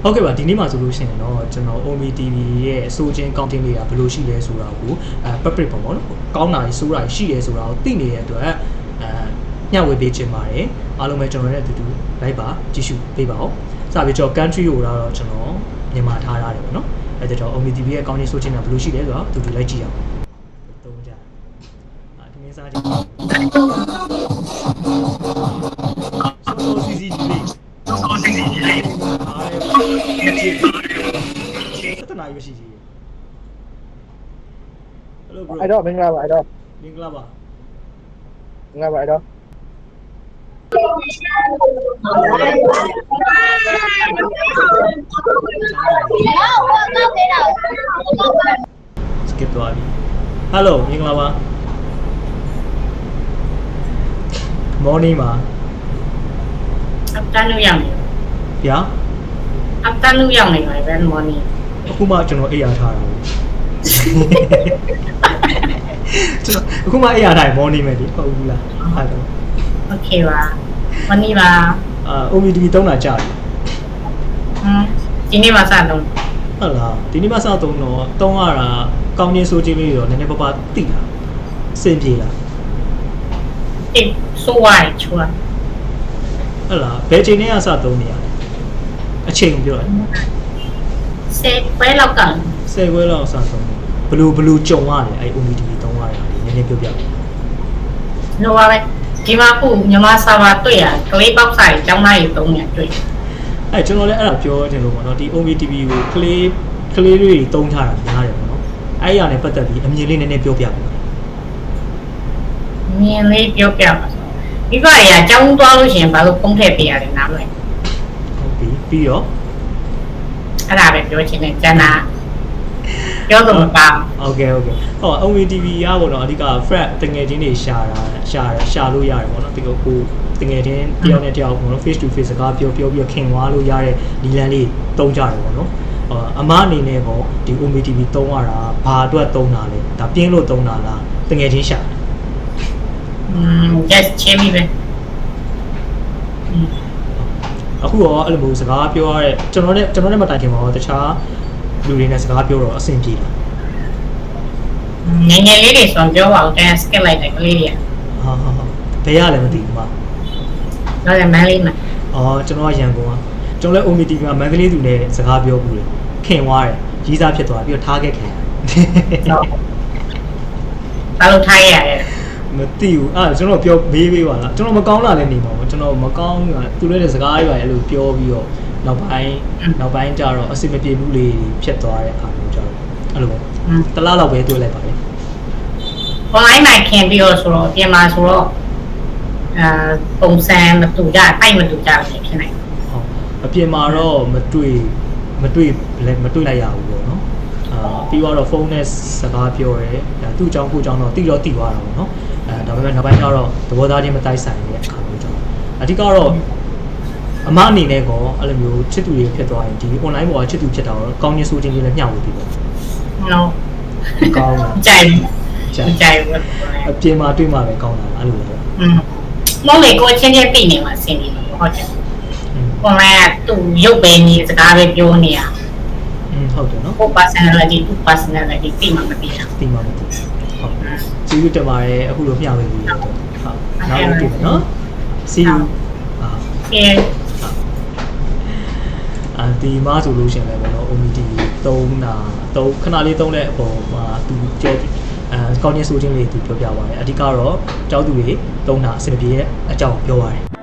ဟုတ်ကဲ့ပါဒီနေ့မှာဆိုလို့ရှိရင်တော့ကျွန်တော် OMI TV ရဲ့အစိုးချင်းကောင်းတင်လေးကဘယ်လိုရှိလဲဆိုတာကိုpublic ပေါ့နော်ကောင်းတာကြီးစိုးတာရှိရဲဆိုတာကိုသိနေတဲ့အတွက်ညှဝေပေးခြင်းပါတယ်အားလုံးပဲကျွန်တော်နဲ့အတူတူလိုက်ပါကြည့်ရှုပေးပါဦးစပြီးတော့ country ကိုတော့ကျွန်တော်မြန်မာထားရတယ်ပေါ့နော်အဲဒါကြောင့် OMI TV ရဲ့ကောင်းချင်းစိုးချင်းကဘယ်လိုရှိလဲဆိုတော့အတူတူလိုက်ကြည့်အောင်သုံးကြဒီမင်းစားကြည့်ဆိုစီစီကြီးလေးတနာရွှေရှိကြီး Hello bro အဲ့တော့မင်္ဂလာပါအဲ့တော့မင်္ဂလာပါမင်္ဂလာပါအဲ့တော့ skip သွားပြီ Hello မင်္ဂလာပါ Morning ပါ Afternoon ရောက်နေဗျာ Afternoon ရောက်နေပါပဲ morning အခုမှကျွန်တော်အိပ်ရထားတာအခုမှအိပ်ရထား morning ပဲဒီဟုတ်ဘူးလားဟုတ်တယ် Okay ပါ morning ပါ OMI TV တုံးတာကြာပြီဒီနေ့မှစတော့ဟုတ်လားဒီနေ့မှစတော့တုံးရတာကောင်းချင်းစိုးချင်းလေးတော့နည်းနည်းပါးပါးသိတာစင်ပြေလားအေးဆိုဝိုင်းချွာဟုတ်လားဘယ်ချိန်နဲ့ကစတုံးနေရလဲအချိန်ပြောတယ်စေပွဲလောက်က 10ခွဲလောက်စတုံးဘလူကြုံရတယ်အဲ့ OMI TV တုံးရတာနည်းနည်းပြောပြလောပါပဲဒီမှာခုမြန်မာစာပါတွေ့ရကလေးပေါက်ဆိုင်ကျောင်းသားကြီး3ညတွေ့အဲ့ကျွန်တော်လည်းအဲ့ဒါပြောတယ်လို့ပေါ့နော်ဒီ OMI TV ကိုကလေးတွေတုံးထားတာများတယ်ပေါ့နော်အဲ့ရနဲ့ပတ်သက်ပြီးအမြင်လေးနည်းနည်းပြောပြပါမြင်လေးပြောပြပါမိဘတွေကကျောင်းသွားလို့ရှိရင်ဘာလို့ဖုံးထည့်ပေးရတယ်နားမလဲဟုတ်ပြီပြီးတော့အဲ့ဒါပဲပြောချင်တယ်ကျန်တာပြောတော့မပါ Okay ဟော OMI TV ကပေါ့နော်အဓိက frat တငယ်ချင်းတွေရှာလို့ရတယ်ပေါ့နော်ဒီကိုတငယ်ချင်းတယောက်နဲ့တယောက်ပေါ့နော် face to face စကားပြောပြီးခင်ွားလို့ရတဲ့ဒီလန်လေးတုံးကြတယ်ပေါ့နော်အမအနေနဲ့ပေါ့ဒီ OMI TV တုံးရတာဘာအတွက်တုံးတာလဲဒါပြင်းလို့တုံးတာလားတငယ်ချင်းရှာ just ချင်းပြီပဲအခုရောအဲ့လိုမျိုးစကားပြောရတဲ့ကျွန်တော်နဲ့မတိုင်ခင်ပါတော့တခြားလူတွေနဲ့စကားပြောတော့အဆင်ပြေလားငယ်ငယ်လေးတွေဆိုပြောပါဦးတဲ့ skip လိုက်တယ်ကလေးတွေကဟာဘယ်ရလဲမသိဘူးမတော့လည်းမန်းလေးမှာကျွန်တော်ကရန်ကုန်ကကျွန်တော်လည်း OMI TV မှာမန္တလေးသူနဲ့စကားပြောဘူးလေခင်သွားတယ်ကြီးစားဖြစ်သွားပြီးတော့ထားခဲ့ခင်ဘာလို့ထားရရဲမသိဘူးကျွန်တော်ပြောမေးပေးပါလားကျွန်တော်မကောင်းတာလည်းနေမှာပေါ့ကျွန်တော်မကောင်းဘူးကသူလည်းတဲ့စကားတွေပါအဲ့လိုပြောပြီးတော့နောက်ပိုင်းကျတော့အဆင်မပြေဘူးလေဖြစ်သွားတဲ့အခါမျိုးကျတော့အဲ့လိုပဲတလားလောက်ပဲတွေ့လိုက်ပါလေ online မှာခင်ပြီးတော့ဆိုတော့ပြင်မှာဆိုတော့ပုံစံမတူကြတိုက်မတူကြဘူးဖြစ်နိုင်ဟုတ်အပြင်မှာတော့မတွေ့လိုက်ရဘူးပေါ့နော်ပြီးတော့ဖုန်းနဲ့စကားပြောရဲသူ့အကြောင်းကိုအကြောင်းတော့တိသွားတာပေါ့နော်ဒါပေမဲ့နောက်ပိုင်းကျတော့သဘောသားချင်းမတိုက်ဆိုင်တဲ့အခါမျိုးကျတော့အဓိကတော့အမအနေနဲ့ကောအဲ့လိုမျိုးချစ်သူတွေဖြစ်သွားရင်ဒီ online ပေါ်ကချစ်သူဖြစ်တာတော့ကောင်းချင်းဆိုးချင်းလေးလည်းမျှဝေပြီးပေါ့ no ကောင်းတာကြိုက်ဘူးအပြင်မှာတွေ့မှာပဲကောင်းတာအဲ့လိုပဲမောင်လေးကိုချင်းချင်းသိနေမှာဆင်နေမှာဟုတ်တယ် online ကသူ့ရုပ်ပဲနေစကားပဲပြောနေရဟုတ်တယ်နော်ကို personality သူ personality သိမှမသိတာတိမှမသိဟုတ်ကျေးဇူးတင်ပါတယ်အခုလိုမျှဝေပြီးတော့ဟုတ်နောက်တွေ့မယ်နော် see you ဒီမှာဆိုလို့ရှိရင်လည်းပေါ့နော် OMI TV ခဏလေးသုံးတဲ့အပေါ်မှာသူကြောကောင်းချင်းဆိုချင်းလေးသူပြောပြပါတယ်အဓိကတော့ကျောင်းသူတွေသုံးတာအဆင်ပြေတဲ့အကြောင်းပြောပါတယ်